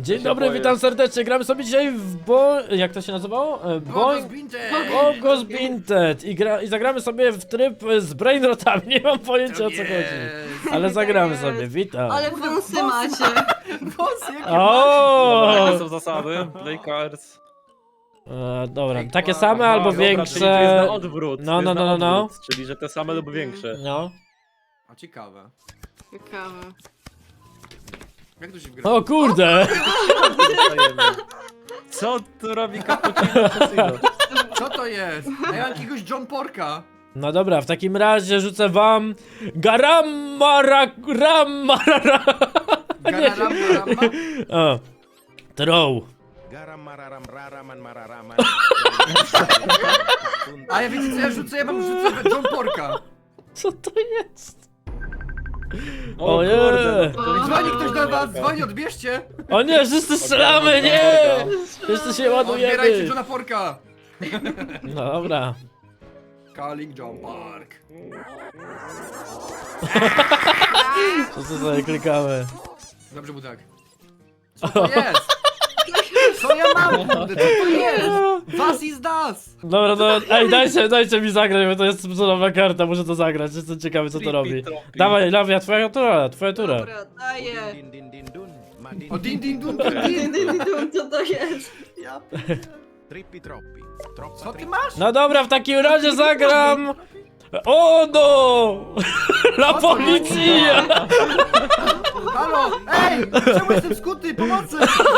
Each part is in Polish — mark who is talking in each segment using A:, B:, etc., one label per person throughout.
A: Dzień
B: się
A: dobry,
B: boję.
A: witam serdecznie. Gramy sobie dzisiaj w jak to się nazywało? Bogos Binted. I zagramy sobie w tryb z brainrotami. Nie mam pojęcia o co chodzi. Ale zagramy sobie, witam.
C: Ale wąsy macie.
D: Wąsy jakie
A: O!
B: Jakie są zasady? Play cards.
A: Dobra,
D: Ej,
A: takie
D: wow.
A: same
B: Aha,
A: albo
B: dobra, czyli to jest
A: większe.
B: na odwrót.
A: No,
B: to jest
A: no,
B: na
A: no, no.
B: odwrót, czyli że te same lub większe.
A: No.
D: A ciekawe.
C: Ciekawe.
D: Jak to się gra?
A: O kurde!
B: Co tu robi cappuccino?
D: Co to jest? A ja mam jakiegoś John Porka.
A: No dobra, w takim razie rzucę wam Garamara.
D: Gararamba.
A: O. Throw.
D: A ja wiecie co ja rzucę? Ja mam rzucę John Porka.
A: Co to jest?
B: O
A: Ojej.
B: kurde.
D: Dzwoni ktoś do was, dzwoni, odbierzcie.
A: O nie, wszyscy strzelamy, nie! Wszyscy się
D: Odbierajcie
A: ładujemy.
D: Johna Porka.
A: No dobra.
D: Calling John Pork.
A: To co sobie klikamy?
D: Dobrze, Budak. Co to jest? Co ja mam, kurde? Co to jest? Was is das.
A: Dobra, no ej, dajcie mi zagrać, bo to jest cudowna karta, muszę to zagrać, jestem ciekawy co to robi. Dawaj, Lawia, twoja tura.
C: Dobra, daję.
D: O din din dun
C: Dyn,
D: din din.
C: dyn, dyn, co to jest?
D: Ja
E: Trippi troppi. Troppa
D: Co ty
E: trippi.
D: masz?
A: No dobra, w takim razie zagram. O no! La policja!
D: Halo! Ej! Czemu jestem skuty? Pomocy!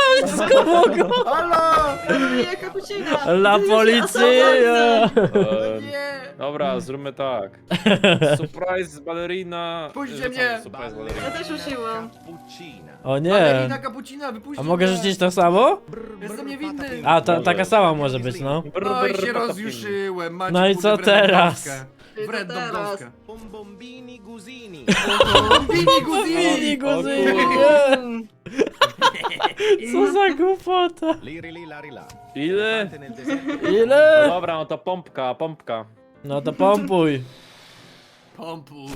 D: Halo!
C: Daję kapucina.
A: La policja!
D: Nie!
B: Dobra, zróbmy tak. Surprise ballerina.
D: Puśćcie
B: Rzucam
D: mnie.
B: Surprise
C: Ja
B: ballerina.
C: też użyłam.
E: Cappuccina.
A: O nie!
D: Ballerina kapucina, wypuśćcie
A: A mogę
D: mnie.
A: rzucić to samo?
D: Jestem niewinny.
A: A, taka sama może być, no.
B: Brr,
D: No i
B: brr,
D: się
B: patapim.
D: rozjuszyłem. Macie,
A: No i
D: kurde,
A: co
D: wredną
A: teraz?
D: dąskę.
C: I co
D: Wredną
C: teraz?
D: dąskę.
E: Bombombini gusini.
D: Bini guzini!
A: Mini
B: O
A: guzy,
B: kurde.
A: nie! Co za głupota?
E: Liri lari la.
B: Ile?
E: Nel deserto.
B: No
A: Ile?
B: dobra, no to pompka, pompka.
A: No to pompuj.
D: Pompuj.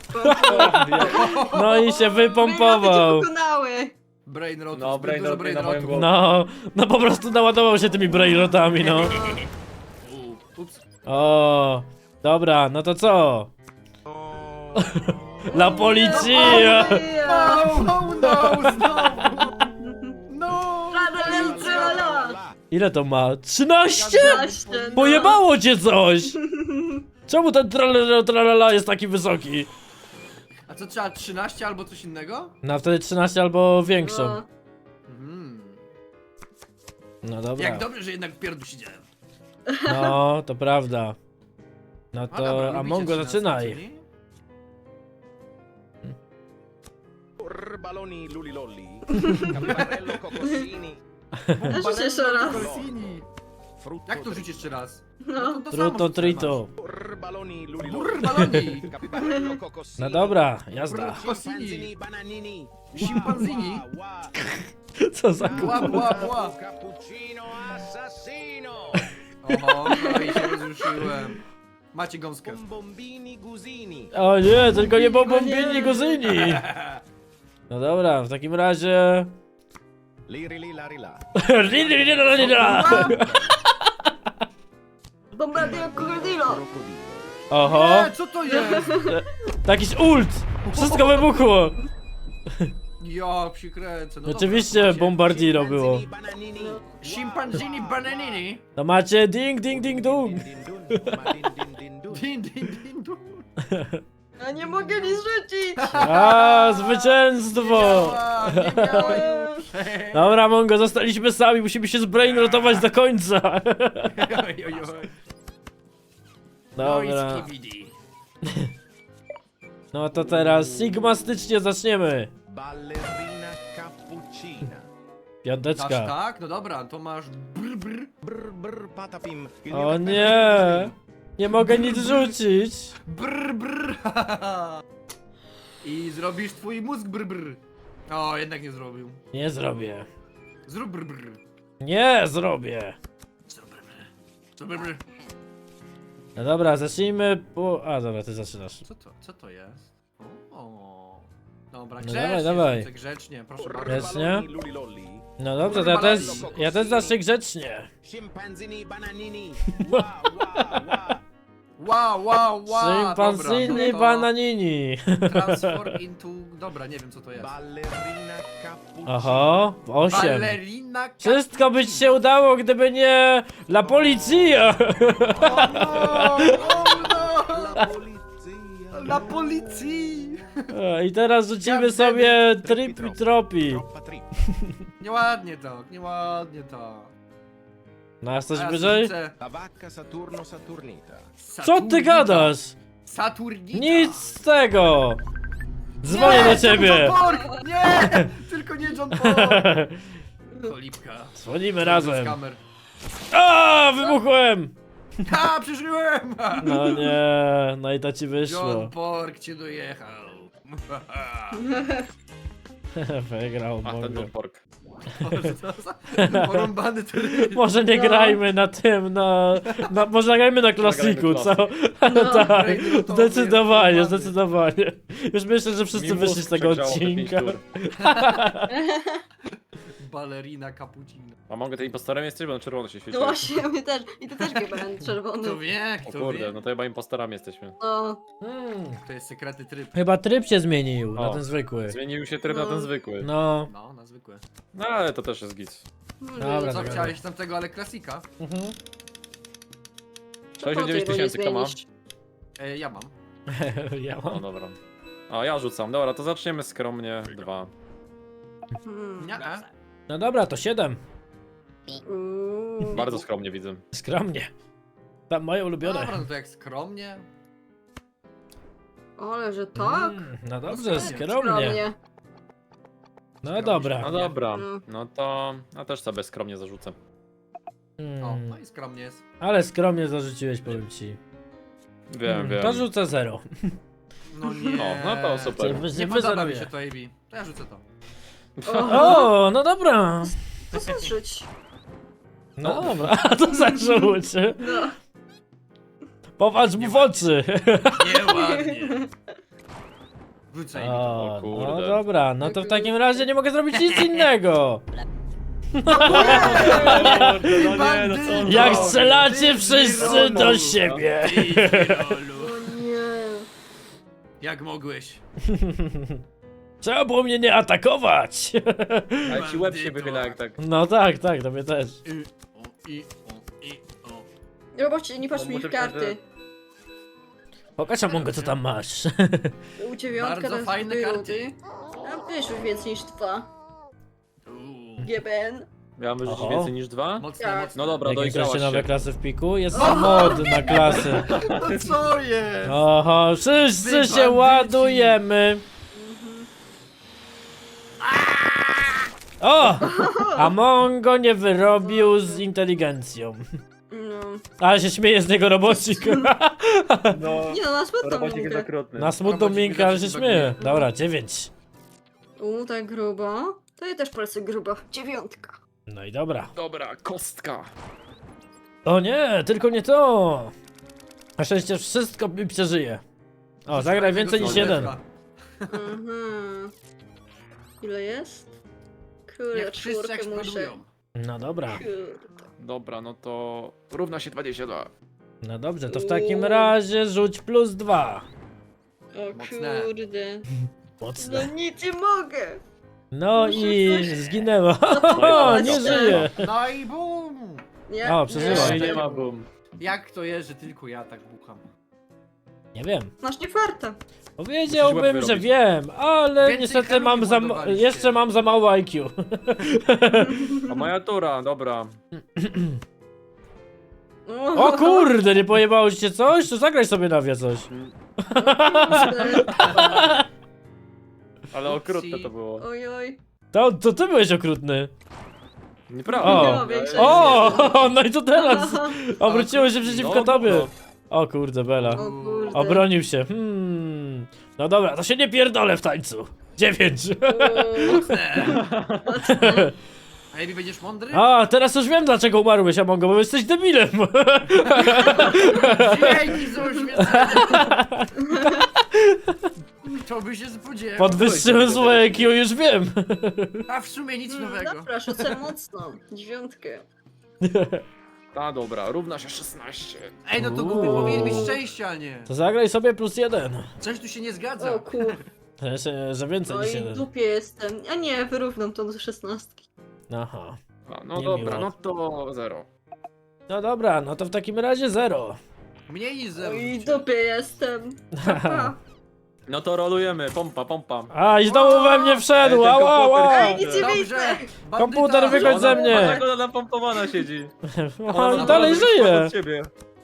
A: No i się wypompował.
C: Pokonały.
D: Brain rot.
B: No, brain
D: dużo
B: rot
D: brain
B: na moją
D: rotu.
B: głowę.
A: No po prostu naładował się tymi brainrotami, no.
D: Ups.
A: O, dobra, no to co? La policja!
D: No, znowu! No!
A: Ile to ma? 13?
C: 13, no.
A: Pojebało cię coś! Czemu ten tralala jest taki wysoki?
D: A co trzeba, 13 albo coś innego?
A: No wtedy 13 albo większą.
C: No.
D: Mhm.
A: No dobra.
D: Jak dobrze, że jednak w pierdol siedziałem.
A: No, to prawda. No
D: A dobra,
A: to
D: lubicie
A: Amongo
D: 13,
A: zaczynaj.
D: czyli?
E: Baloni luli lolli. Campanello cocosini.
C: Rzuć jeszcze raz.
D: Corsini.
E: Frutto
D: Jak to rzucić jeszcze raz?
C: No.
D: to
A: Truto
D: samo
A: trito.
E: Baloni luli
D: Brr,
E: lolli.
D: baloni.
E: Campanello cocosini.
A: No dobra, jazda.
E: Chimpanzini bananini.
D: Chimpanzini.
E: Wa,
A: Co za
D: Bła,
A: głupota.
D: bła, bła.
E: Cappuccino assassino.
D: Oho, no i się rozruszyłem. Macie gąskę.
E: Bombombini gusini.
A: O nie, tylko nie bombini guzyni. No dobra, w takim razie...
E: Liri li lari la.
C: Bombardier Krokodilo.
E: Crocodilo.
A: Oho,
D: Nie, co to jest?
A: jakiś ult! Wszystko wybuchło!
D: Ja się kręcę. No
A: Oczywiście
D: dobra, macie
A: bombardiro było.
E: Chimpanzini bananini.
D: Chimpanzini bananini.
A: No macie ding ding ding dong.
E: Din dun, ma din din din dun.
D: Din, din, din, dun.
C: Ja nie mogę nic rzucić.
A: A, zwycięstwo!
D: A, nie miałem.
A: Dobra, Mongo, zostaliśmy sami, musimy się zbrainrotować do końca.
D: Oj, oj, oj. No i
A: Dobra,
D: skibidi.
A: no to teraz sigmastycznie zaczniemy.
E: Ballerina cappuccina.
D: Dasz
A: Piąteczka.
D: tak? No dobra, to masz brr brr.
E: Brr brr patapim. Il mio
A: O
E: cappello
A: nie! Nie mogę nic rzucić.
D: Brr brr. I zrobisz twój mózg brr brr. O, jednak nie zrobił.
A: Nie zrobię.
D: Zrób brr brr.
A: Nie zrobię.
D: Zrób brr brr. Zrób brr brr.
A: No dobra, zacznijmy po... A dobra, ty zaczynasz.
D: Co to jest? O. Dobra,
A: No
D: grzecznie,
A: dawaj, dawaj.
D: rzucę, grzecznie, proszę bardzo.
A: Grzecznie?
E: Baloni luli lolli.
A: No dobrze, to ja też zacznę grzecznie.
E: Scimpanzini bananini.
D: Wow.
A: Szympanzini
D: Dobra, no to
A: bananini.
D: Transform into... Dobra, nie wiem co to jest.
E: Ballerina cappuccino.
A: Oho, 8.
D: Ballerina...
A: Wszystko by ci się udało, gdyby nie La Policja.
D: O no!
E: La polizia.
D: Na policji!
A: I teraz rzucimy sobie tripi tropi.
E: Troppa trip.
D: Nieładnie to.
A: No, a coś
D: A ja
A: wyżej?
D: rzucę
E: La vacca Saturno Saturnita.
A: Co ty
D: Saturnita.
A: gadasz?
D: Saturnita!
A: Nic z tego! Dzwonię do ciebie!
D: John Pork! Nie! Tylko nie John Pork! Cholipka.
A: Dzwonimy razem.
D: Kamer.
A: A, wybuchłem!
D: Ha, przeżyłem!
A: No nie, no i to ci wyszło.
D: John Pork cię dojechał.
A: Wygrał,
B: A ten
A: mogę.
B: John Pork.
D: Boże, co za porąbany tryb.
A: Może nie
C: No.
A: grajmy na tym, może nagrajmy na klasiku, co?
C: No.
A: Tak,
D: Brainrotowy
A: zdecydowanie,
D: jest
A: zdecydowanie. Już myślę, że wszyscy
B: Mi
A: wyszli
B: mózg
A: z tego
B: przegrzało te pięć
A: odcinka.
B: tur.
D: Ballerina cappuccino.
B: A mogę tym impostorem jesteś, bo na czerwono się świeci.
C: No właśnie, my też. I ty też chyba czerwony.
D: Kto wie,
B: O
D: kto
B: kurde,
D: wie.
B: no to chyba impostorami jesteśmy.
C: No.
D: To jest sekretny tryb.
A: Chyba tryb się zmienił na
B: O.
A: ten zwykły.
B: Zmienił się tryb na ten zwykły.
A: No,
D: No, na zwykłe.
B: No ale to też jest git.
A: Dobra,
D: Co
A: dobra.
D: chciałeś tamtego, ale klasika?
A: mhm.
B: 69 tysięcy kto ma?
D: Ja mam.
A: Ja
B: No
A: mam.
B: dobra. A ja rzucam, dobra, to zaczniemy skromnie. 2.
D: Nie.
A: No dobra, to 7.
B: Bardzo skromnie widzę.
A: Skromnie. Tam moje ulubione.
D: Dobra, no to jak skromnie.
C: Ale że tak?
A: No dobrze,
D: Skromnie.
A: skromnie. No dobra.
B: No dobra,
C: Mm.
B: no to ja też sobie skromnie zarzucę.
D: O, no i skromnie jest.
A: Ale skromnie zarzuciłeś, powiem ci.
B: Wiem, wiem.
A: To rzucę 0.
D: No nie.
B: O, no to super.
D: Nie podoba mi się to, AB. To ja rzucę to.
A: O, no dobra.
C: To zaszyć.
A: No dobra, a to zarzuć.
C: No.
A: Popatrz mu w oczy.
D: Nieładnie. Rzucaj mi to.
A: O,
B: kurde.
A: no dobra, no to w takim razie nie mogę zrobić nic innego.
B: No nie, no co on
A: Jak
B: robi?
A: strzelacie wszyscy do siebie.
C: O nie.
D: Jak mogłeś?
A: Trzeba było mnie nie atakować.
B: Ale ci łeb się wychyla jak tak.
A: No tak, tak, to mnie też.
C: Nie zobaczcie, nie patrz
B: No,
C: mi w
B: muszę
C: karty.
A: Pokaż Amongo, co tam masz.
C: U dziewiątka
D: Bardzo
C: to jest
D: fajne
C: były.
D: karty.
C: A wiesz już więcej niż 2. GBN.
B: Miałem wyrzucić
A: Oho.
B: więcej niż 2?
D: Mocne,
C: Tak.
D: mocne.
B: No dobra,
A: Jakie
B: doigrałaś
A: chcecie nowe
B: się.
A: klasy w piku? Jest mod na klasy.
D: No co jest?
A: Oho, wszyscy
D: Wy
A: się
D: bandyci.
A: ładujemy. O! Amongo nie wyrobił z inteligencją.
C: No.
A: Ale się śmieje z niego robocik.
B: No,
C: Nie no, na smutną
B: robocik jest
C: minkę.
B: okrutny.
A: Na smutną
D: Robocik
A: minkę, ale się
D: widać, że
A: śmieje.
D: baguje.
A: Dobra, 9.
C: Tak grubo. To ja też polecę grubo. 9.
A: No i dobra.
B: Dobra, kostka.
A: O nie, tylko nie to. Na szczęście wszystko mi przeżyje. O, zagraj więcej niż jeden.
C: Mhm. Ile jest? Kurde,
D: Jak wszyscy
C: czwórkę muszę.
D: eksplodują.
A: No dobra.
C: Kurde.
B: Dobra, no to równa się 22.
A: No dobrze, to w takim razie rzuć +2.
C: O
D: Mocne.
C: kurde. No
A: Mocne.
C: nic nie mogę.
A: No
C: Muszę
A: i
C: coś-
A: zginęła.
C: No
A: O, nie żyje.
D: No i bum!
C: Nie?
A: O, przeżyła.
B: No i nie ma boom.
D: Jak to jest, że tylko ja tak bucham?
A: Nie wiem.
C: Masz nie farta.
A: Powiedziałbym,
B: łeb
A: że
B: wyrobić.
A: wiem, ale
D: Więcej
A: niestety mam
D: kamieni ładowaliście.
A: jeszcze mam za mało IQ.
B: A moja tura, dobra.
A: O kurde, nie pojebało ci się coś? To zagraj sobie na wie coś.
B: Ale okrutne to było.
C: Oj, oj.
A: To ty byłeś okrutny.
B: Nieprawda.
A: O.
C: No, większość
A: O, no i to teraz. Obróciło się przeciwko
B: No,
A: tobie.
B: no.
A: O kurde, Bela.
C: O kurde.
A: Obronił się. No dobra, to się nie pierdolę w tańcu. 9.
C: Mocne.
D: A Ebi, będziesz mądry?
A: A, teraz już wiem dlaczego umarłeś, Amongo, bo jesteś debilem.
D: Dzięki za oświecenie! To by się spodziewał.
A: Podwyższyłem swoje IQ, już wiem.
D: A w sumie nic nowego.
C: Dobra, rzucę mocno. 9.
B: A dobra, równa się 16.
D: Ej, no to Gubi powinien mieć szczęście, a nie.
A: To zagraj sobie +1.
D: Coś tu się nie zgadza.
C: O kur...
A: Że więcej
C: No
A: niż
C: i w
A: 1.
C: dupie jestem. A nie, wyrównam to do 16.
A: Aha.
B: A, no
A: Niemiło.
B: dobra, no to 0.
A: No dobra, no to w takim razie 0.
D: Mniej niż 0.
C: No i w dupie jestem. Pa.
B: No to rolujemy, pompa, pompa.
A: A, i znowu we mnie wszedł!
B: Ej, ten
A: Ała, ała!
B: komputer
C: Ej, nic nie
D: Dobrze.
C: widzę!
D: Bandyta.
A: Komputer wychodź ze mnie.
B: Jak ona napompowana siedzi.
A: On dalej żyje!
B: Od ciebie.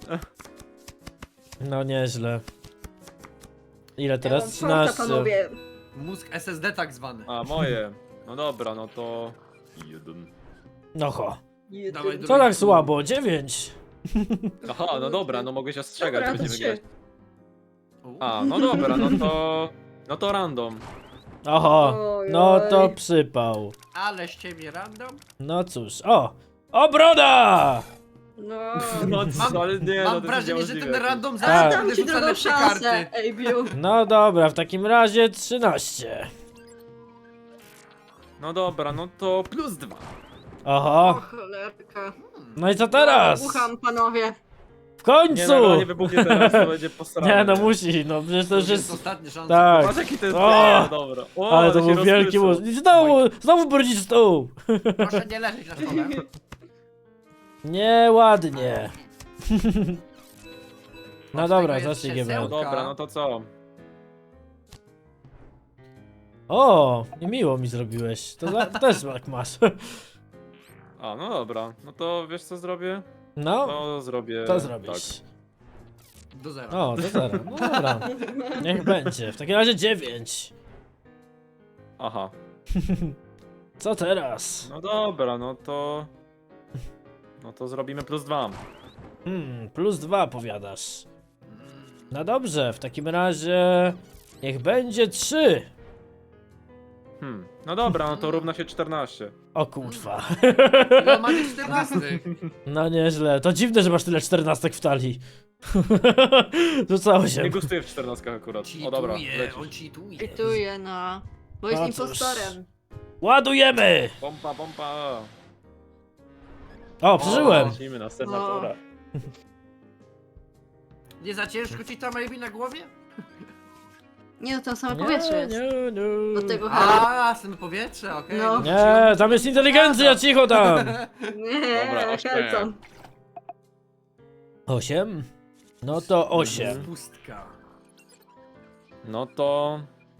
A: No nieźle. Ile
C: Ja
A: teraz?
C: mam czwarta,
A: 13.
C: panowie.
D: Mózg SSD tak zwany.
B: A, moje. No dobra, no to... 1.
A: No ho.
D: Dawaj,
A: Co tak słabo? 9.
B: Aha, no dobra, no mogę się ostrzegać,
C: Dobra,
B: będziemy
C: trzy.
B: grać. A, no dobra, no to... No to random.
A: Oho.
C: Oj,
A: No to
C: oj.
A: przypał.
D: Ale z ciebie random?
A: No cóż. O! O, broda!
C: No.
B: No co, ale nie, no
D: Mam
B: to
D: wrażenie,
B: jest
D: że ten
B: niemożliwe.
D: random
A: Tak.
D: zaraz
C: Dam
D: będzie
C: ci
D: rzuca
C: drugą
D: lepsze
C: szansę,
D: karty.
C: ej, Biu.
A: No dobra, w takim razie 13.
B: No dobra, no to +2.
C: O
A: Oho.
C: cholerka.
A: No i co teraz?
C: Ucham, panowie.
A: W
B: Nie,
A: końcu!
B: no, nie wybuchnie teraz, to będzie posrane.
A: Nie no musi, no przecież to już jest...
D: ostatnia szansa.
A: Tak.
B: Patrz jaki to jest...
A: O!
B: No dobra. O,
A: Ale to
B: się
A: był wielki
B: rozpryszył.
A: mózg. I znowu brudzić stół!
D: Proszę nie leżeć na stole.
A: Nieładnie. No
D: Od
A: dobra,
D: tego jest
A: zacznij
D: krzesełko.
A: GBN.
B: Dobra, no to co?
A: O, i miło mi zrobiłeś. To też tak masz.
B: A, no dobra. No to wiesz co zrobię?
A: No,
B: To zrobię...
A: to
B: Tak.
A: zrobisz.
D: Do zera.
A: O, to zaraz. No dobra. Niech będzie. W takim razie 9.
B: Aha.
A: Co teraz?
B: No dobra, no to... No to zrobimy +2.
A: +2 powiadasz. No dobrze, w takim razie... Niech będzie 3.
B: No dobra, no to równa się 14.
A: O kurwa.
D: Ile ma tych 14?
A: No nieźle. To dziwne, że masz tyle 14 w talii. Rzucało się.
B: Nie gustuję w 14 akurat. O dobra,
D: Cheatuje, on
B: lecisz.
D: cheatuje.
C: Pituję, no. Bo jest
A: No cóż.
C: impostorem.
A: Ładujemy!
B: Pompa, pompa.
A: O, przeżyłem.
B: Lecimy na senatora.
D: Nie za ciężko ci tam Maybe na głowie?
C: Nie, no tam same powietrze jest.
A: nie.
C: Do tego hełmu.
D: A, same powietrze, okej.
C: No.
A: Nie, tam jest inteligencja, cicho tam!
C: Nie,
B: Dobra, 8.
C: Helcom.
A: 8? No to 8.
D: Pustka.
B: No to...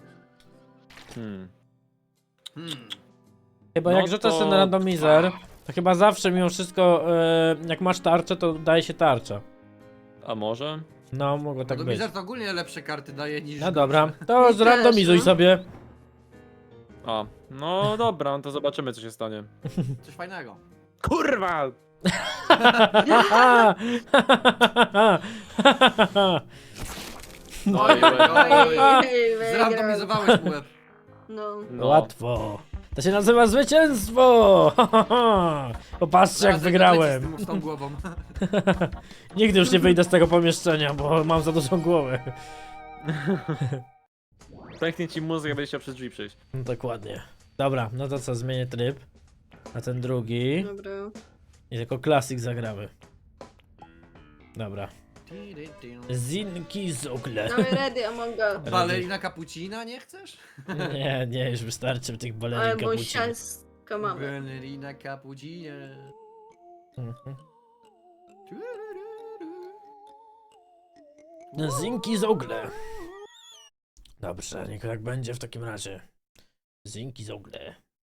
A: Chyba
B: No
A: jak rzucasz
B: to-
A: ten randomizer, to chyba zawsze mimo wszystko, jak masz tarczę, to daje się tarcza.
B: A może?
A: No, mogło tak
D: To
A: być.
D: Bizar to ogólnie lepsze karty daje niż...
A: No dobra,
D: gorsze.
A: to
C: Mi
A: zrandomizuj
C: też, no.
A: sobie.
B: A, no dobra, no to zobaczymy co się stanie.
D: Coś fajnego.
B: Kurwa!
D: Oj, oj, oj.
C: Ej, wygrał.
D: Zrandomizowałeś mu łeb.
C: No.
B: No.
A: Łatwo. To się nazywa zwycięstwo! Popatrzcie jak
D: Zaraz
A: wygrałem.
D: lecisz z tą głową.
A: Nigdy już nie wyjdę z tego pomieszczenia, bo mam za dużą głowę.
B: Pęknie ci mózg, jak będziesz chciał przez drzwi przejść.
A: No dokładnie. Dobra, no to co, zmienię tryb na ten drugi
C: Dobra.
A: i tylko klasik zagramy. Dobra. Zinki Zogle.
C: Damy ready, Among Us.
D: Balerina Cappuccina nie chcesz?
A: Nie, nie, już wystarczy tych
C: Ale
A: balerin
C: bo
A: kapucin.
C: siaska mamy.
D: Balerina Cappuccina.
A: Zinki Zogle. Dobrze, niech tak będzie w takim razie. Zinki Zogle.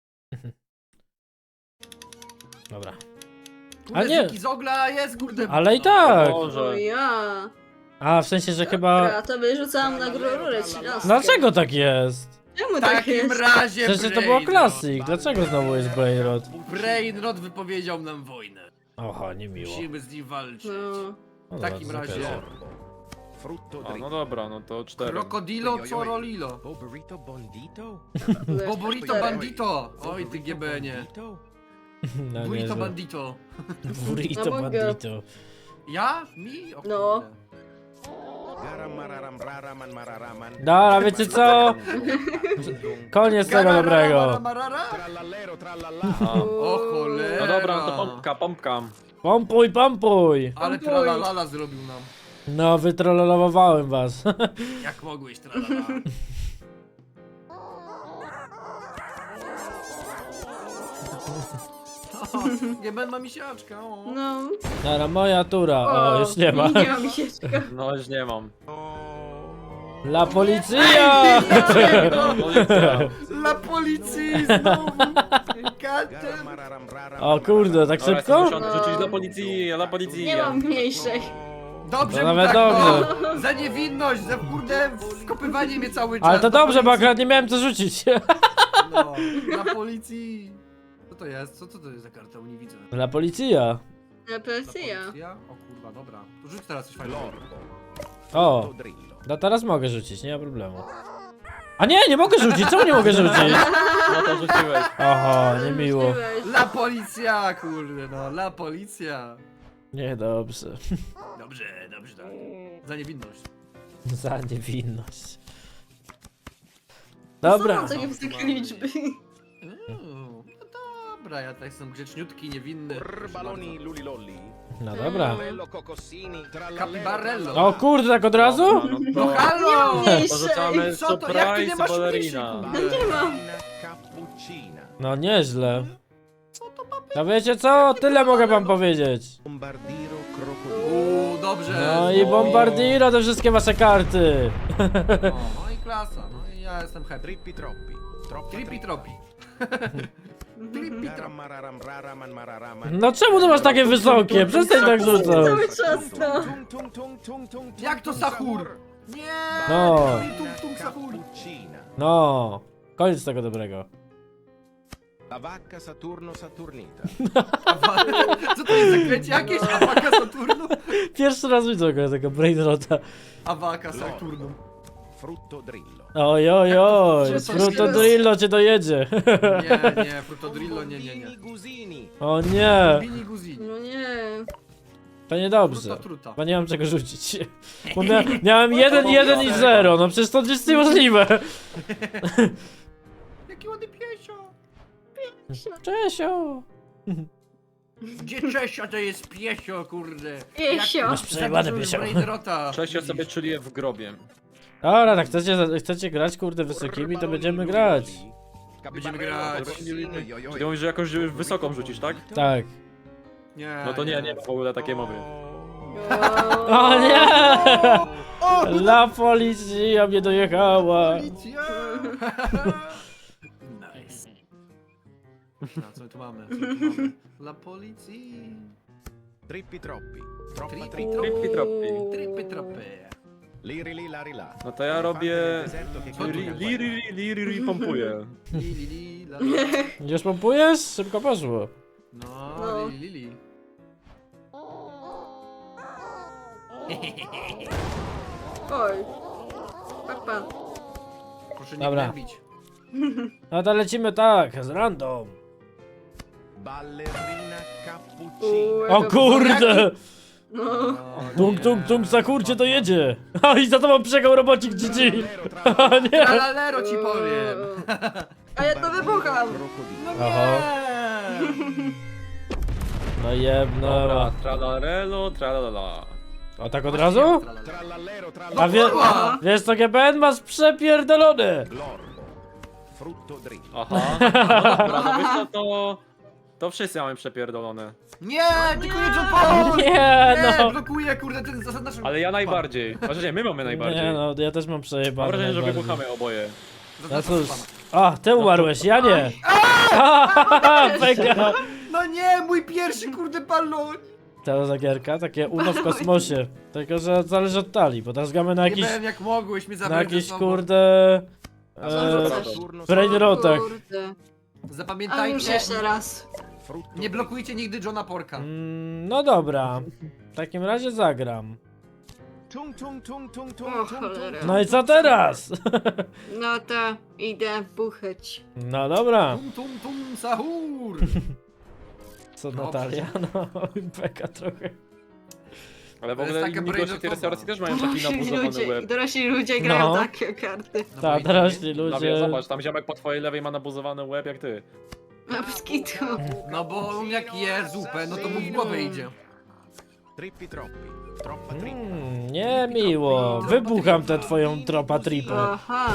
A: Dobra. A nie.
D: Z ogla jest, kurde.
A: Ale i tak!
C: O
B: Może.
C: ja.
A: A, w sensie, że chyba...
C: Dobra, to wyrzucałam na rurę 13.
A: Dlaczego tak jest?
C: Czemu
D: W
C: tak
D: takim
C: jest?
D: razie
A: Przecież to było
D: Brainrot.
A: klasyk. Dlaczego znowu jest Brainrot?
D: Brainrot wypowiedział nam wojnę.
A: Oho, niemiło.
D: Musimy z nim walczyć.
C: No.
A: No
D: W takim
A: dobra,
D: razie.
A: zakazał.
E: Frutto
B: A, no
E: dritto.
B: dobra, no to 4.
D: Krokodilo Corolilo.
E: Boburito bondito.
D: Boborito Bandito. Oj ty GBN-ie.
E: Bandito.
A: No,
D: Burrito
A: niezłe.
D: Bandito.
A: Burrito
C: No mogę.
A: bandito.
D: Ja? Mi? O
C: No.
D: kurde.
A: Dobra, wiecie co? Koniec tego dobrego.
D: O cholera.
B: No dobra, no to pompka, pompka.
A: Pompuj, pompuj.
D: Ale tralalala zrobił nam.
A: No, wytrollowałem was.
D: Jak mogłeś, tralala. Nie będę ma misiaczka, o.
C: No.
A: Dobra, moja tura. O, już nie ma.
C: Nie ma misieczka.
B: No już nie mam.
A: La policja!
B: No, policja.
D: Dla policji znowu. Katem.
A: O kurde, tak
B: Dobra,
A: szybko?
B: jestem muszony rzucić dla policji, dla policji.
C: Nie mam mniejszej.
D: Dobrze,
A: No
D: mu
A: nawet
D: tak,
A: dobrze.
D: No. Za niewinność, za kurde wkopywanie mnie cały czas.
A: Ale to
D: do
A: dobrze, bo
D: policji.
A: akurat nie miałem co rzucić.
D: No, dla policji. Co to jest? Co to jest za karta? Nie widzę.
A: La policja.
C: Represja.
D: Policja? O kurwa, dobra. To rzuć teraz coś fajnego.
A: O, no teraz mogę rzucić, nie ma problemu. A nie, nie mogę rzucić, czemu nie mogę rzucić?
B: No to rzuciłeś.
A: Oho, niemiło.
C: Rzuciłeś.
D: La policja, kurde, no, la policja.
A: Nie, dobrze.
D: Dobrze, dobrze, tak. Za niewinność.
A: Za niewinność.
C: Co
A: Dobra.
C: to nie wysokie liczby?
D: No dobra, ja tak jestem grzeczniutki, niewinny.
E: Baloni lulilolli.
A: No dobra.
E: Bello cocosini.
D: Capibarello.
A: O kurde, tak od razu?
B: No
D: No
B: to
D: halo!
C: mniejszej.
B: porzucamy
D: Co to? Jak ty nie
B: surprise
D: masz
B: ballerina.
D: mniejszej?
C: No nie mam.
E: Cappuccina.
A: No nieźle. No wiecie co? Tyle mogę wam powiedzieć.
E: Bombardiro crocodilo.
D: Dobrze.
A: No i bombardiro te wszystkie wasze karty.
D: No i klasa, no i ja jestem happy.
E: Trippi troppi. Troppa
D: Trippi troppi. Trippi troppi.
A: No czemu to masz takie wysokie? Przestań tak rzucać.
C: Cały czas to.
D: Jak to sahur? Nie!
A: No.
D: Tung tung sahur.
E: Cappuccina.
A: No. Koniec tego dobrego.
E: La vacca Saturno Saturnita.
D: Co to jest zaklęcie jakieś? Awaka Saturnu?
A: Pierwszy raz widzę tego brainrota.
D: Awaka Saturnu.
E: Frutto drillo.
A: Oj, oj, oj.
C: Że
A: Fruto Drillo cię dojedzie.
D: Nie, Frutodrillo, nie.
E: Bini Gusini.
A: O nie.
D: Bini Guzini.
C: No nie.
A: To niedobrze.
D: Fruta truta.
A: Bo nie mam czego rzucić. Bo miałem 1, 1 i 0. No przecież to jest niemożliwe.
D: Jaki ładny piesio.
A: Czesio.
D: Gdzie Czesio to jest piesio, kurde.
C: Piesio.
A: Masz przejebane piesio.
B: Cześć, ja sobie czuję w grobie.
A: Dobra, tak chcecie grać kurde wysokimi, to będziemy grać.
D: Będziemy grać.
B: Ty mówisz, że jakąś wysoką rzucisz, tak?
A: Tak.
D: Nie.
B: No to nie w ogóle takiej mowy.
A: O nie! La policja mnie dojechała.
D: Policja. Nice. No, co my tu mamy? Dla policji.
E: Trippi troppi. Troppa
D: Trippi
E: trippi.
B: Trippi troppi.
D: Trippi troppi.
E: Liri li lari la.
B: No to ja robię...
D: Co tu
B: Liri pompuję.
D: Li, la, la.
A: Już pompujesz? Szybko poszło.
D: No,
C: No.
D: Lili.
C: Oj. Papa.
D: Proszę nie
A: Dobra.
D: gnębić.
A: No to lecimy tak, z random.
E: Ballerina cappuccina.
A: O kurde!
C: No.
A: Tung, tung, tung, zakurcie to jedzie. O i za tobą przegał robocik GG. O nie!
D: Tralalero ci powiem.
C: A ja to wybucham.
D: No
A: Aha.
D: nie.
A: No jebno.
B: Dobra, tralarelo, tralala.
A: O tak od razu?
E: Trallallero
A: A
E: trallallero.
D: kurwa!
A: wiesz co GBN masz przepierdolone.
E: Glorbo. Frutto drillo.
B: Aha. No dobra, no wiesz co, to wszyscy mamy przepierdolone.
D: Nie, tylko nie John Paul!
A: Nie no.
D: Blokuje, kurde, ten zasad naszą...
B: Ale ja najbardziej. Znaczy nie, my mamy najbardziej.
A: Nie no, ja też mam
B: Mam
A: przejebane.
B: wrażenie, że
A: najbardziej.
B: wybuchamy oboje.
A: No cóż. A, ty umarłeś, ja nie. Peka.
D: No nie, mój pierwszy, kurde, balon!
A: Ta zagierka, takie uno w kosmosie. Tylko, że zależy od talii, bo teraz gramy na
D: Nie
A: jakiś,
D: wiem, jak mogłeś mnie
A: na
D: zabrać ze
A: jakiś
D: sobą.
A: kurde...
E: Saturno
A: brainrotach.
C: Kurde. A już
D: Zapamiętajcie,
C: jeszcze raz.
E: Frutto
D: nie blokujcie nigdy Johna Porka.
A: No dobra. W takim razie zagram.
E: Tung tung tung tung
C: O,
E: tung tung
C: cholera.
E: tung.
A: No i co teraz?
C: No to idę buchać.
A: No dobra.
D: Tum sahur!
A: Co
D: Dobrze.
A: Natalia? No, Peka trochę.
B: Ale w
D: To jest
B: ogóle
D: taka
B: inni goście w tej
D: brainotowa.
B: restauracji też mają taki nabuzowany łeb.
C: Dorośli ludzie grają
A: No.
C: takie karty.
D: No bo
A: Tak,
D: i-
A: dorośli
B: No
A: ludzie.
B: wiem, zobacz, tam ziomek po twojej lewej ma nabuzowany łeb jak ty.
C: Na skitu.
D: No bo on jak je zupę, no to mu w głowę idzie.
E: Trippi troppi. Troppa trippa.
A: Nie miło. Wybucham tę twoją tropa tripę.
C: Aha.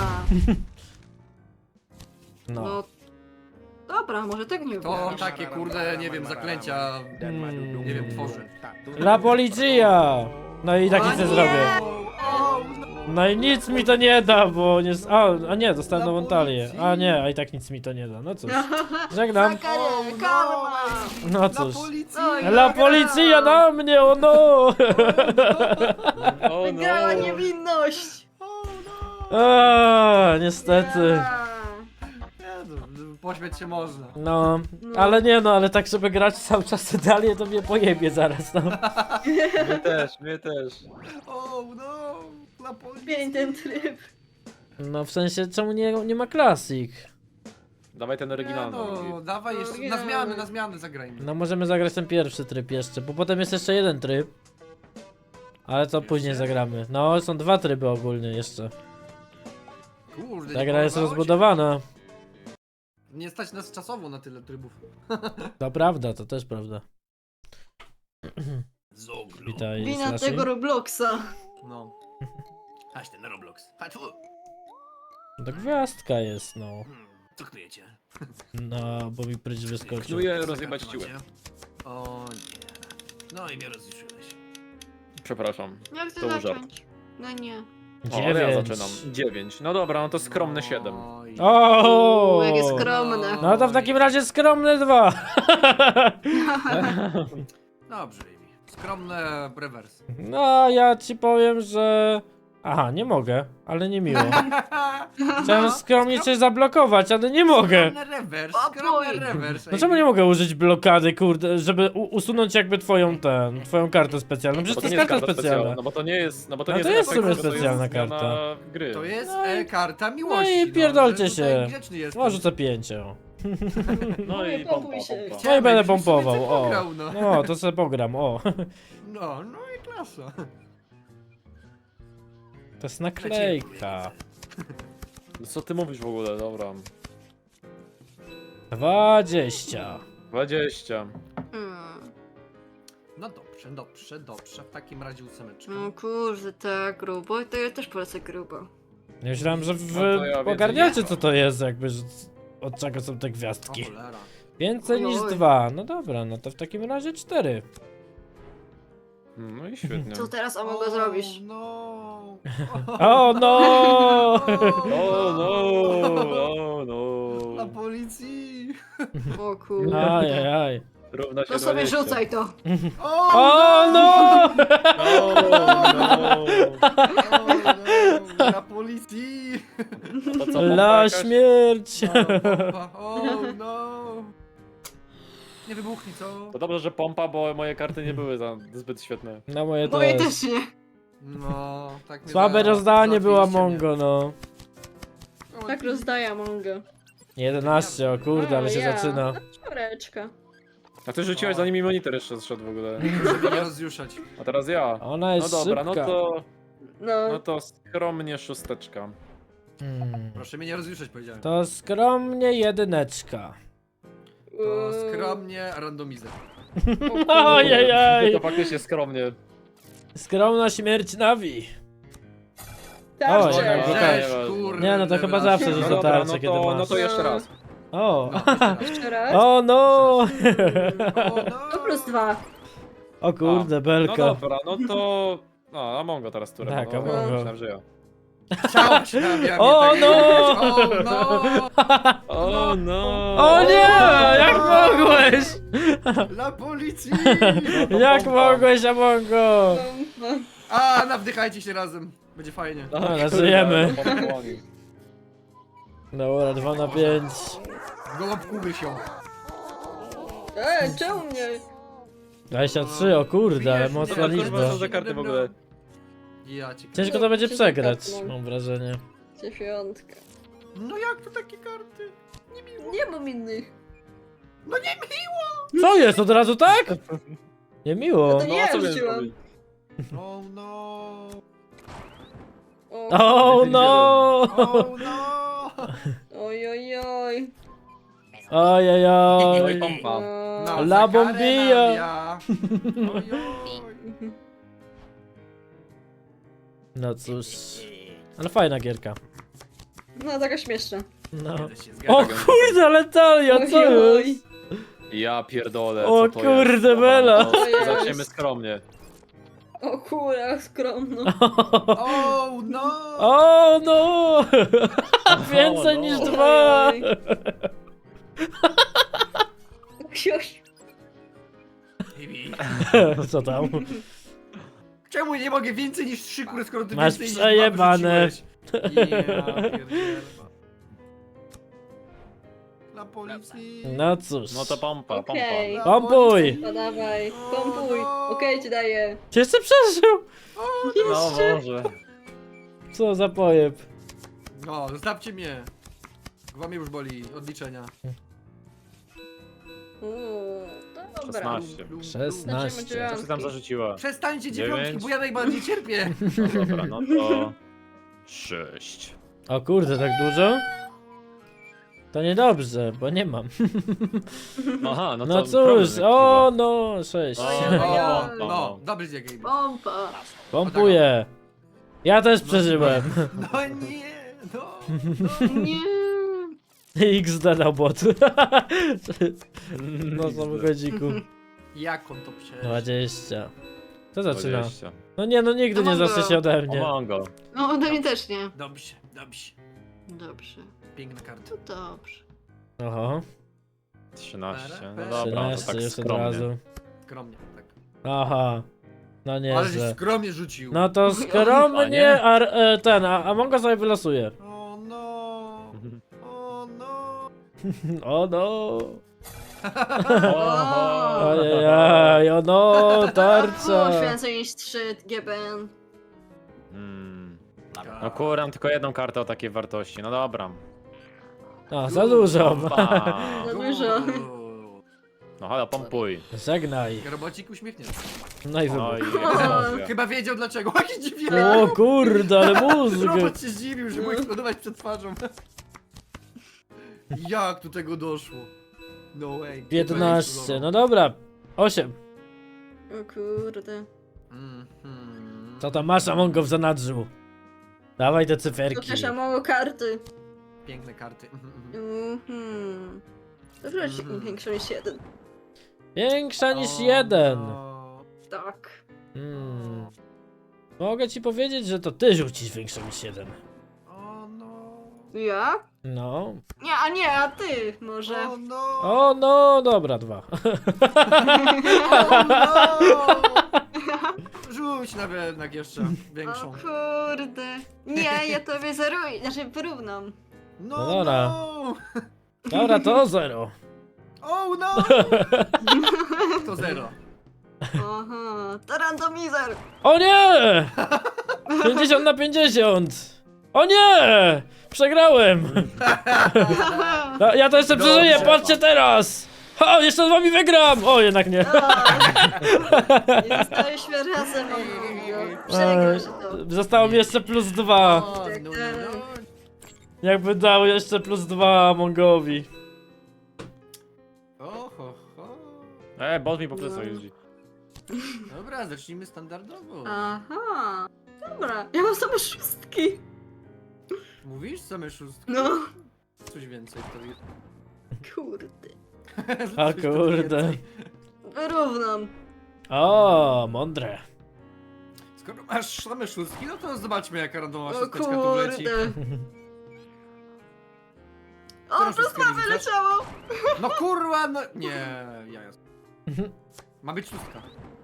A: No.
C: No. Dobra, może tak nie
D: To
C: wybrać.
D: takie kurde, nie wiem, zaklęcia, nie wiem, tworzy.
A: La policja! No i tak nic nie zrobię.
D: O,
A: No i nic mi to nie da, bo nie... A nie, dostałem nową talię. A nie, a i tak nic mi to nie da. No cóż. Żegnam.
C: Karma!
A: No
D: Na
A: cóż.
D: policji!
A: La policja na mnie, o no!
B: O
C: Wygrała
B: no!
C: niewinność!
A: Niestety.
D: Pośmiać się można.
A: No, ale nie no, ale tak żeby grać cały czas te dalie, to mnie pojebie zaraz, no.
B: Mnie też.
D: O no, na policji.
C: Pięć ten tryb.
A: No w sensie, czemu nie ma klasik?
B: Dawaj ten
D: Nie
B: oryginalny.
D: no, dawaj jeszcze, na zmiany zagrajmy.
A: No możemy zagrać ten pierwszy tryb jeszcze, bo potem jest jeszcze jeden tryb. Ale to później zagramy. No, są dwa tryby ogólnie jeszcze.
D: Kurde,
A: Ta
D: nie
A: gra jest
D: podobało ci?
A: rozbudowana.
D: Nie stać nas czasowo na tyle trybów.
A: To prawda, to też prawda. Witaj,
C: Wina
A: Slashy.
C: tego Robloxa.
D: No. Aś ten Roblox. Chodź tu.
A: To gwiazdka jest, no.
D: Co knujecie?
A: No, bo mi pryć wyskoczył.
B: Knuję rozjebać ci łeb.
D: O nie. No i mnie rozjuszyłeś.
B: Przepraszam.
C: Jak
B: To
C: to
B: był
C: zacząć? No nie.
B: O, ale ja
A: 9.
B: zaczynam. 9. No dobra, no to skromne 7.
D: Oj.
A: O!
C: Jakie skromne.
A: No to w takim razie skromne 2.
D: Dobrze, Amy. Skromne rewers.
A: No, ja ci powiem, że... Aha, nie mogę, ale nie miło. Chciałem skromnie coś zablokować, ale nie mogę.
D: Skromny rewers,
C: O,
D: skromny
C: boj.
D: rewers.
A: No czemu nie mogę użyć blokady, kurde, żeby usunąć jakby twoją kartę specjalną? Przecież
B: Bo
A: to
B: to
A: jest
B: nie jest
A: karta
B: karta
A: specjalna.
B: specjalna. No bo to nie jest. No bo to
A: No
B: nie
A: to
B: jest
A: jest w sumie
B: efekt, to
A: specjalna
B: zmiana
A: karta.
B: Gry.
D: To jest
A: No i-
D: karta
A: No
D: miłości.
A: i pierdolcie
D: że tutaj
A: się.
D: grzeczny jestem.
A: No, rzucę 5. O.
B: No i
C: pompuj
B: pompa,
C: się.
B: pompa.
A: No i będę
D: żebyś sobie
A: pompował,
D: coś
A: o.
D: pograł, no.
A: No, to sobie pogram, o.
D: No i klasa.
A: To jest naklejka.
B: No co ty mówisz w ogóle, dobra.
A: 20.
B: 20.
D: No dobrze. W takim razie ósemeczka.
C: No kurde, tak grubo. To ja też polecę grubo.
A: Ja myślałem, że wy
B: No to ja więcej
A: ogarniacie
D: nie.
A: co to jest, jakby, że od czego są te
D: O
A: gwiazdki.
D: cholera.
A: Więcej niż
C: Oj.
A: 2. No dobra, no to w takim razie 4.
B: No i świetnie.
C: Co teraz Amogo zrobisz?
D: No.
A: O no!
B: O no,
D: Na
B: no.
D: policji.
C: O kurde.
A: Ajajaj.
B: Równa się
C: To sobie
B: 20.
C: rzucaj to.
A: O no!
B: No.
D: Na policji.
B: To co, pompa
A: La
B: jakaś?
A: śmierć!
D: O no. Nie wybuchnij, co?
B: To dobrze, że pompa, bo moje karty nie były zbyt świetne.
A: No moje
C: Moje
A: też.
C: też nie.
D: No, tak mnie
A: Słabe rozdanie było
D: załatwiliście
A: Mongo, no.
C: Tak rozdaję Amongo.
A: 11, o kurde, ale się
C: ja.
A: zaczyna.
C: Czworeczka.
B: A ty rzuciłeś zanim mi monitor jeszcze zszedł w ogóle.
D: Żeby nie rozjuszać.
B: A teraz ja.
A: Ona
B: No
A: jest
B: dobra,
A: szybka.
B: no to skromnie 6.
D: Proszę mnie nie rozjuszać, powiedziałem.
A: To skromnie 1.
D: To skromnie randomizer.
A: Ojejej!
B: To faktycznie skromnie.
A: Skromna śmierć Navi.
C: Tak,
A: O,
C: że-
A: jednak
B: Okej,
D: Żeś,
B: nieważne.
D: kurde,
A: Nie, no to chyba
D: rewelacja.
A: zawsze
B: No
A: rzuca
B: dobra,
A: tarczę,
B: no
A: kiedy
B: to,
A: masz.
B: no to jeszcze raz.
A: O!
D: No, jeszcze raz.
C: Jeszcze raz.
A: O no!
D: O,
C: To plus 2.
A: O kurde,
B: No
A: belka.
B: dobra, no to... No, a Mongo teraz turę.
A: Tak,
B: no,
A: Amongo.
B: Myślałem, że ja.
D: Chciałem się nawijać,
A: O,
D: tak
A: no!
D: powiedzieć. O no!
B: O no!
A: O nie! Jak mogłeś?
D: Dla policji!
B: No to
A: Jak
B: pompa.
A: mogłeś, Amongo?
D: A, nawdychajcie się razem. Będzie fajnie.
B: No,
A: Dobra,
B: kurde,
A: żyjemy.
B: no, pomponi.
A: Dobra, 2 na 5.
D: Gołąbku wysią.
C: Czemu mnie?
A: 23, o kurde, ale
D: Wiesz,
A: mocna
B: Kurwa,
A: liczba.
B: co za karty w ogóle?
D: Ja cię...
A: Ciężko to będzie przegrać, mam wrażenie.
C: Dziewiątka.
D: No jak to takie karty?
C: Nie mam innych.
D: No nie miło!
A: Co jest, od razu tak? Nie miło.
C: To
B: No,
C: ja
B: co miałem
C: rzuciłam.
B: zrobić?
D: Oh no!
A: Oh no!
D: Oh no!
C: Oj, oj, oj.
B: No i
A: Ojojoj.
B: pompa.
D: No,
A: La
D: za karę
A: bombilla.
D: nawija. Ojoj.
A: No cóż. Ale fajna gierka.
C: No, taka śmieszna.
A: No.
D: Zgadza się, zgadza
A: O
D: się.
A: kurde, ale talia, co
C: Oj,
A: jest?
B: Ja pierdolę,
A: O
B: co to
A: kurde,
B: jest? Dobra,
A: Bela.
B: no,
C: To jest.
B: Zaczniemy skromnie.
C: o kurwa, skromno.
D: Oh no!
A: O no! Więcej
B: no.
A: niż dwa!
C: Oj. Ksiuś.
D: Bibi.
A: Co tam?
D: Czemu nie mogę więcej niż 3 kury, skoro ty
A: Masz
D: więcej niż
A: przejebane.
D: 2 wyrzuciłeś? Ja pierdzielę. Dla policji.
A: No cóż.
B: No to pompa,
C: Okej.
D: Dla
A: Pompuj.
D: policji.
C: Podawaj, pompuj. Okej, ci daję.
A: Czy jeszcze przeżył?
B: No może.
A: Co za pojeb.
D: No, zostawcie mnie. Głowa mnie już boli od liczenia.
C: To dobra.
B: 16.
A: 16.
B: Co ty tam zarzuciła?
D: Przestańcie
B: 9.
D: dziewiątki, bo ja najbardziej cierpię.
B: No dobra, no to... 6.
A: O kurde, tak dużo? To niedobrze, bo nie mam.
B: Aha, no to...
A: No cóż,
B: problem
A: o no, 6.
B: O,
C: Ja.
D: No, dobry dzień, Gabe.
C: Pompa.
A: Pompuję. Ja też przeżyłem.
D: No nie, no.
C: Nie.
A: XD na bot. No samochodziku.
D: Jak on to przeżył?
A: 20. Kto zaczyna?
B: 20.
A: No nie, no nigdy nie
C: Mongo.
A: zacznie się ode
B: O,
A: mnie.
B: mango.
C: No, ode mnie też nie.
D: Dobrze, dobrze.
C: Dobrze.
D: Piękna karta.
C: To dobrze.
A: Oho,
B: 13. No dobra, to
A: 13
B: tak
A: już od
B: skromnie.
A: razu.
D: Skromnie, tak.
A: Aha, no
D: Ale żeś
A: nieźle.
D: skromnie rzucił.
A: No to
B: A
A: skromnie,
B: nie?
A: a Mongo sobie wylosuje.
D: O no. O no.
A: O no.
B: Oho.
A: Ojej, o no, tarcza.
C: Było więcej niż 3 GBN.
B: No kuram tylko jedną kartę o takiej wartości, no dobra.
A: A, za dużo.
B: Pompa.
C: Za dużo.
B: No halo, pompuj.
A: Żegnaj.
D: Robocik uśmiechnięty.
A: No i
B: No
A: wybuch.
B: i eksplozja.
D: Chyba wiedział dlaczego. Jaki dziwnie.
A: O kurde, ale mózg.
D: Robot się zdziwił, że mógł eksplodować przed twarzą. Jak do tego doszło? No way.
A: 15, no dobra. 8.
C: O kurde.
A: Co tam masz, Mongo, w zanadrzu? Dawaj te
C: To
A: cyferki.
C: też mało karty.
D: Piękne karty.
C: Dobra, większa niż 1.
A: Większa niż
D: O,
A: 1.
D: no.
C: Tak.
A: Mogę ci powiedzieć, że to ty rzucisz większą niż 1.
D: O no.
C: Ja?
A: No.
C: Nie, a ty może.
D: O no.
A: O no, dobra, 2.
D: O no. Rzuć nawet jeszcze
C: O
D: większą.
C: kurde. Nie, ja tobie zeruję, znaczy wyrównam.
D: No,
A: No dobra.
D: no.
A: Dobra, to 0.
D: O no. To 0.
C: Aha, to randomizer.
A: O nie! 50 na 50. O nie! Przegrałem. Ja to jeszcze
D: Dobrze.
A: przeżyję, patrzcie teraz. O, jeszcze z wami wygram. O, jednak nie.
C: I zostaliśmy razem. Przegrał się to.
A: Zostało mi jeszcze plus 2.
D: O, no, no, no.
A: Jakby dał jeszcze plus 2 Mongowi.
D: Oho, ho.
B: Bot mi po plecach jeździ.
D: Dobra, zacznijmy standardowo.
C: Aha. Dobra, ja mam same szóstki.
D: Mówisz same szóstki?
C: No.
D: Coś więcej wtedy.
C: Kurde.
A: A
D: Coś
A: kurde.
D: więcej.
C: Wyrównam.
A: O, mądre.
D: Skoro masz same szóstki, no to zobaczmy jaka randomowa
C: O
D: szósteczka tu leci.
C: kurde. O,
D: Którą
C: plus
D: szóstkę
C: 2
D: rzucasz?
C: wyleciało.
D: No kurwa, no... Nie, ja jasne. Ma być szóstka.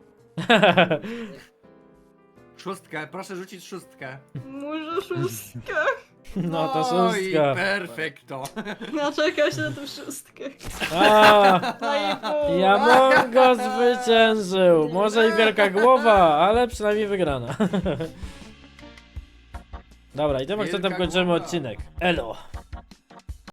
D: Szóstkę, proszę rzucić szóstkę.
C: Może szóstkę.
A: No to
D: i
A: szóstka.
D: perfekto.
C: No czekam się na tą szóstkę.
A: A,
C: No i pół.
A: ja Mongo zwyciężył. Może i wielka głowa, ale przynajmniej wygrana. Dobra, i tym akcentem
D: Wielka
A: kończymy
D: głowa.
A: odcinek. Elo.